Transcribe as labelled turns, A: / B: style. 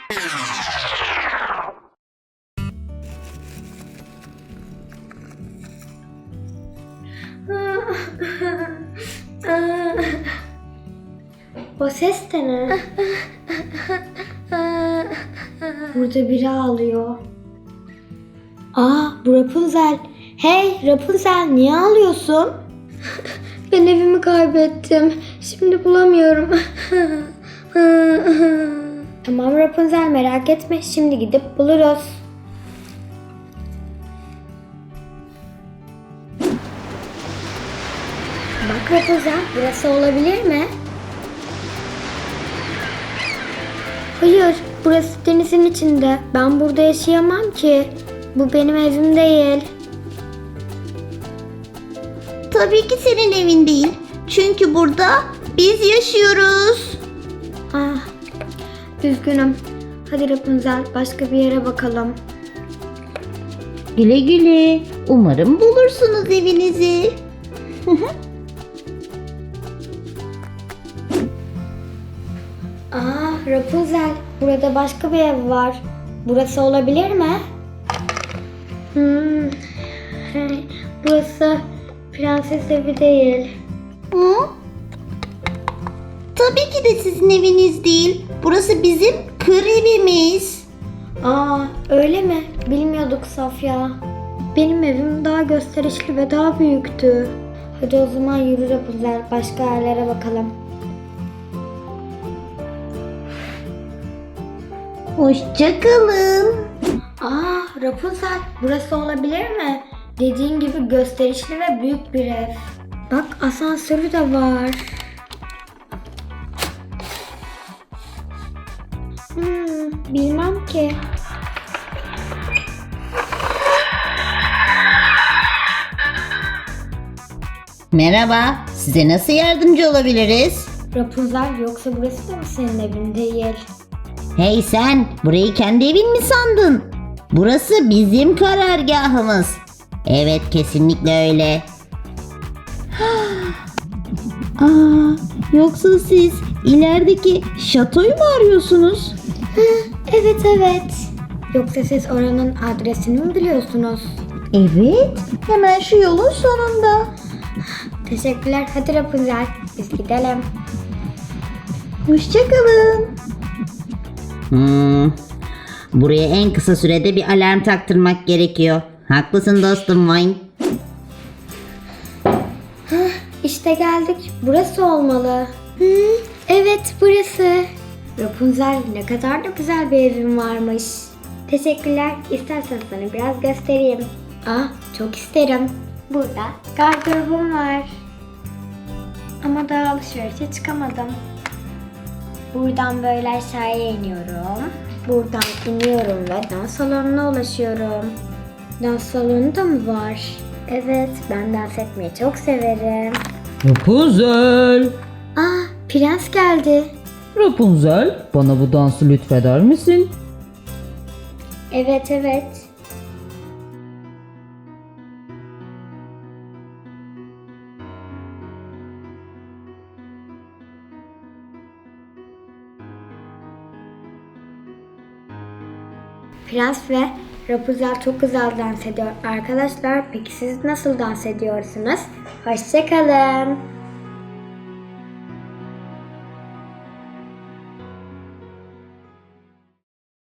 A: O ses de ne? Burada biri ağlıyor. Bu Rapunzel. Hey Rapunzel, niye ağlıyorsun? Ben evimi kaybettim. Şimdi bulamıyorum. Tamam Rapunzel, merak etme. Şimdi gidip buluruz. Bak Rapunzel, burası olabilir mi? Hayır, burası denizin içinde. Ben burada yaşayamam ki. Bu benim evim değil.
B: Tabii ki senin evin değil. Çünkü burada biz yaşıyoruz.
A: Üzgünüm. Hadi Rapunzel, başka bir yere bakalım.
B: Güle güle. Umarım bulursunuz evinizi.
A: Rapunzel, burada başka bir ev var. Burası olabilir mi? Burası prenses evi değil.
B: Hı? Tabii ki de sizin eviniz değil. Burası bizim kır evimiz.
A: Öyle mi? Bilmiyorduk Safya. Benim evim daha gösterişli ve daha büyüktü. Hadi o zaman yürü Rapunzel, başka yerlere bakalım.
B: Hoşça kalın.
A: Rapunzel, burası olabilir mi? Dediğin gibi gösterişli ve büyük bir ev. Bak, asansörü de var. Bilmem ki.
B: Merhaba. Size nasıl yardımcı olabiliriz?
A: Rapunzel, yoksa burası da mı senin evin değil?
B: Hey sen, burayı kendi evin mi sandın? Burası bizim karargahımız. Evet, kesinlikle öyle. Yoksa siz ilerideki şatoyu mu arıyorsunuz?
A: Evet. Yoksa siz oranın adresini mi biliyorsunuz?
B: Evet, hemen şu yolun sonunda.
A: Teşekkürler. Hadi Rapunzel, biz gidelim.
B: Hoşça kalın. Buraya en kısa sürede bir alarm taktırmak gerekiyor. Haklısın dostum Vine.
A: İşte geldik. Burası olmalı. Evet, burası. Rapunzel, ne kadar da güzel bir evin varmış. Teşekkürler. İstersen sana biraz göstereyim. Çok isterim. Burada gardırobum var. Ama daha alışverişe çıkamadım. Buradan böyle aşağıya iniyorum. Buradan iniyorum ve dans salonuna ulaşıyorum. Dans salonu da mı var? Evet, ben dans etmeyi çok severim.
C: Rapunzel!
A: Prens geldi.
C: Rapunzel, bana bu dansı lütfeder misin?
A: Evet. Prens ve Rapunzel çok güzel dans ediyor. Arkadaşlar, peki siz nasıl dans ediyorsunuz? Hoşça kalın.